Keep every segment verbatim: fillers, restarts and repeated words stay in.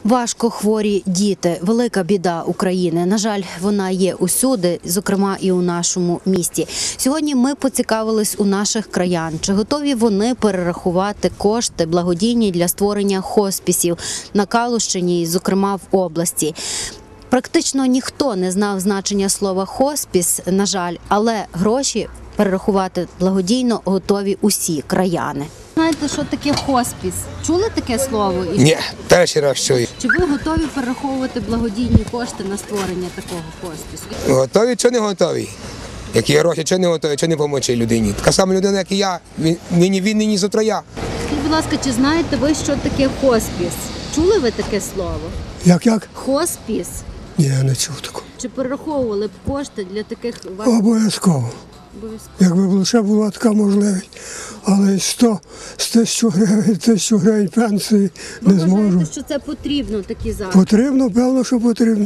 Важко хворі діти – велика біда України. На жаль, вона є усюди, зокрема і у нашому місті. Сьогодні ми поцікавились у наших краян, чи готові вони перерахувати кошти благодійні для створення хоспісів на Калущині, зокрема в області. Практично ніхто не знав значення слова «хоспіс», на жаль, але гроші перерахувати благодійно готові усі краяни. Знаєте, що таке хоспіс? Чули таке слово? Ні, перший раз чую. Чи ви готові перераховувати благодійні кошти на створення такого хоспісу? Готові чи не готові? Які гроші, чи не готові, чи не помочі людині. Така сама людина, як і я. Він, нині він, нині завтра я. Скажіть, будь ласка, чи знаєте ви, що таке хоспіс? Чули ви таке слово? Як, як? Хоспіс. Ні, я не чув такого. Чи перераховували б кошти для таких... Обов'язково. Обов'язково. Якби лише була така можливість. Але сто з тисячу гривень, тисячу гривень пенсії Ви не зможу. вважаєте, що це потрібно, такі заходи? Потрібно, певно, що потрібно.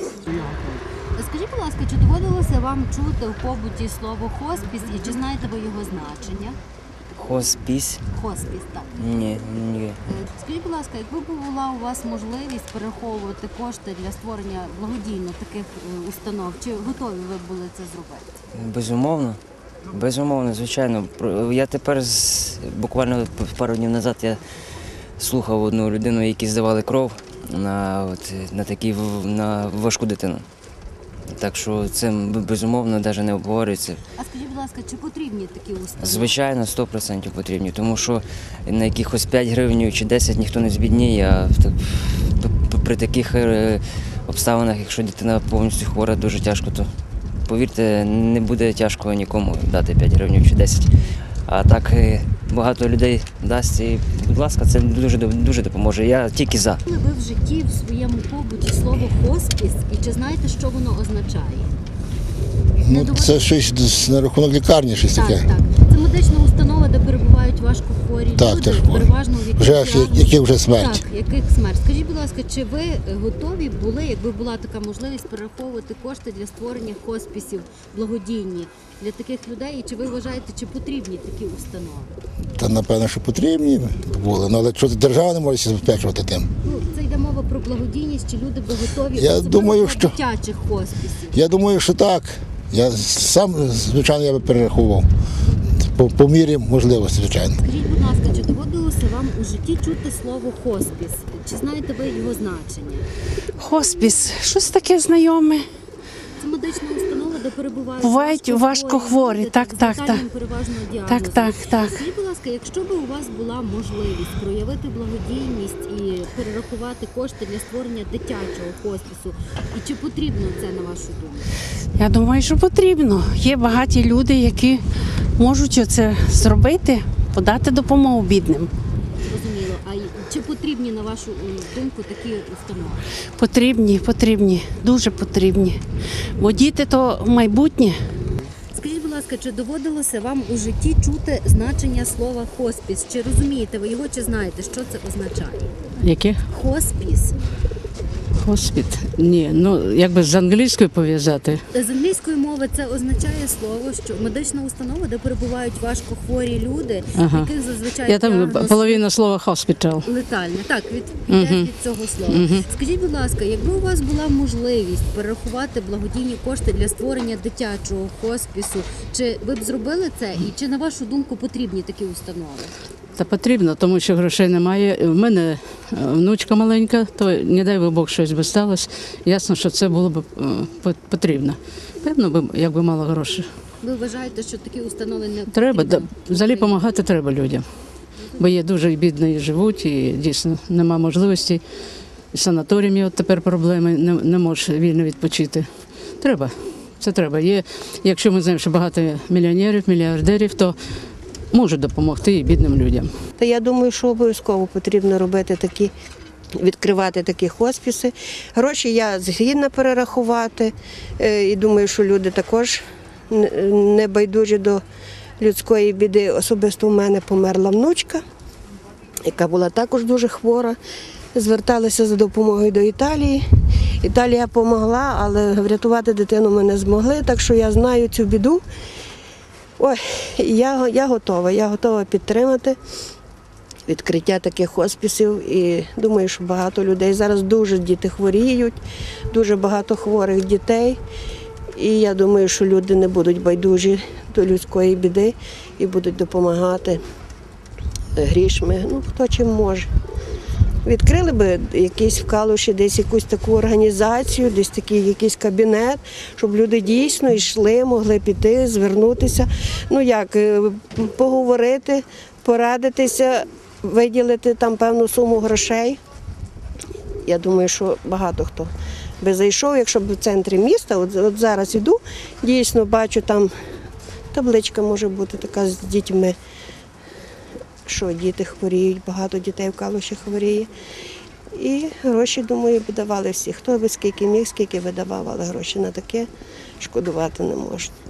Скажіть, будь ласка, чи доводилося вам чути в побуті слово хоспіс і чи знаєте ви його значення? Хоспіс? Хоспіс, так. Ні, ні. Е, Скажіть, будь ласка, якби була у вас можливість перераховувати кошти для створення благодійно таких е, установ, чи готові ви були це зробити? Безумовно. Безумовно, звичайно. Про- Я тепер з- буквально пару днів назад я слухав одну людину, які здавали кров на, от, на, такі, в- на важку дитину. Так що це безумовно навіть не обговорюється. А скажіть, будь ласка, чи потрібні такі установи? Звичайно, сто відсотків потрібні, тому що на якихось п'ять гривень чи десять ніхто не збідніє, а в так- п- при таких е, обставинах, якщо дитина повністю хвора, дуже тяжко, то повірте, не буде тяжко нікому дати п'ять гривень чи десять. А так е, багато людей дасть і, будь ласка, це дуже, дуже допоможе. Я тільки за. Ви в житті в своєму побуті слово хоспіс і чи знаєте, що воно означає? Не Ну, доводилось? це щось на рахунок лікарні, щось Так, таке. так. Це медична установа, де перебувають важко хворі Так, люди, тяжко хворі. переважно в яких Вже ж, діагноз- які вже смерть. Так, яких смерть. Скажіть, будь ласка, чи ви готові були, якби була така можливість, перераховувати кошти для створення хоспісів благодійні для таких людей? І чи ви вважаєте, чи потрібні такі установи? Та напевно, що потрібні були. Ну, але що держава не може забезпечувати тим. Ну, це йде мова про благодійність, чи люди би готові Я особливо думаю, для що- дитячих хоспісів? Я думаю, що так. Я сам, звичайно, я би перерахував. По, по мірі можливості, звичайно. Скажіть, будь ласка, чи доводилося вам у житті чути слово хоспіс? Чи знаєте ви його значення? Хоспіс, щось таке знайоме. Це медична установа, де перебувають Бувають важкохворі, люди, так, з так, летальним так. переважно діагнозом. Так, так, так. Скажіть, будь ласка, якщо б у вас була можливість проявити благодійність і перерахувати кошти для створення дитячого хоспісу, і чи потрібно це, на вашу думку? Я думаю, що потрібно. Є багаті люди, які можуть це зробити, подати допомогу бідним. Зрозуміло. А й- чи потрібні, на вашу е, думку, такі установи? Потрібні, потрібні, дуже потрібні. Бо діти то майбутнє. Скажіть, будь ласка, чи доводилося вам у житті чути значення слова хоспіс? Чи розумієте ви його, чи знаєте, що це означає? Яке? Хоспіс. Хоспіт? Ні, ну якби з англійською пов'язати. З англійської мови це означає слово, що медична установа, де перебувають важкохворі люди, Ага. яких зазвичай Я там діагноз половина слова hospital. летальне. Так, від, йде Мгм. від цього слова. Скажіть, будь ласка, якби у вас була можливість перерахувати благодійні кошти для створення дитячого хоспісу, чи ви б зробили це? І чи, на вашу думку, потрібні такі установи? Та потрібно, тому що грошей немає. У мене е, внучка маленька, то не дай би Бог щось би сталося. Ясно, що це було б е, по- потрібно. Певно, би, якби мало грошей. Ви вважаєте, що такі установи не Треба, да, потрібно? взагалі допомагати треба людям. Бо є дуже бідні живуть і дійсно нема можливості. І санаторіями от тепер проблеми, не, не можеш вільно відпочити. Треба, це треба. Є, якщо ми знаємо, що багато мільйонерів, мільярдерів, то можуть допомогти і бідним людям. Та я думаю, що обов'язково потрібно робити такі, відкривати такі хоспіси. Гроші я згідна перерахувати. Е, І думаю, що люди також не- не байдужі до людської біди. Особисто у мене померла внучка, яка була також дуже хвора. Зверталися за допомогою до Італії. Італія допомогла, але врятувати дитину ми не змогли, так що я знаю цю біду. Ой, я, я готова, я готова підтримати. відкриття таких хосписів. І думаю, що багато людей зараз дуже діти хворіють, дуже багато хворих дітей. І я думаю, що люди не будуть байдужі до людської біди і будуть допомагати грішми, ну хто чим може. Відкрили би якийсь в Калуші десь якусь таку організацію, десь такий якийсь кабінет, щоб люди дійсно йшли, могли піти, звернутися. Ну як, поговорити, порадитися, виділити там певну суму грошей. Я думаю, що багато хто би зайшов, якщо б в центрі міста, от, от зараз іду, дійсно бачу, там табличка може бути така з дітьми, що діти хворіють, багато дітей в Калуші хворіє. І гроші, думаю, б давали всі. Хто би скільки міг, скільки видавав, але гроші на таке шкодувати не можна.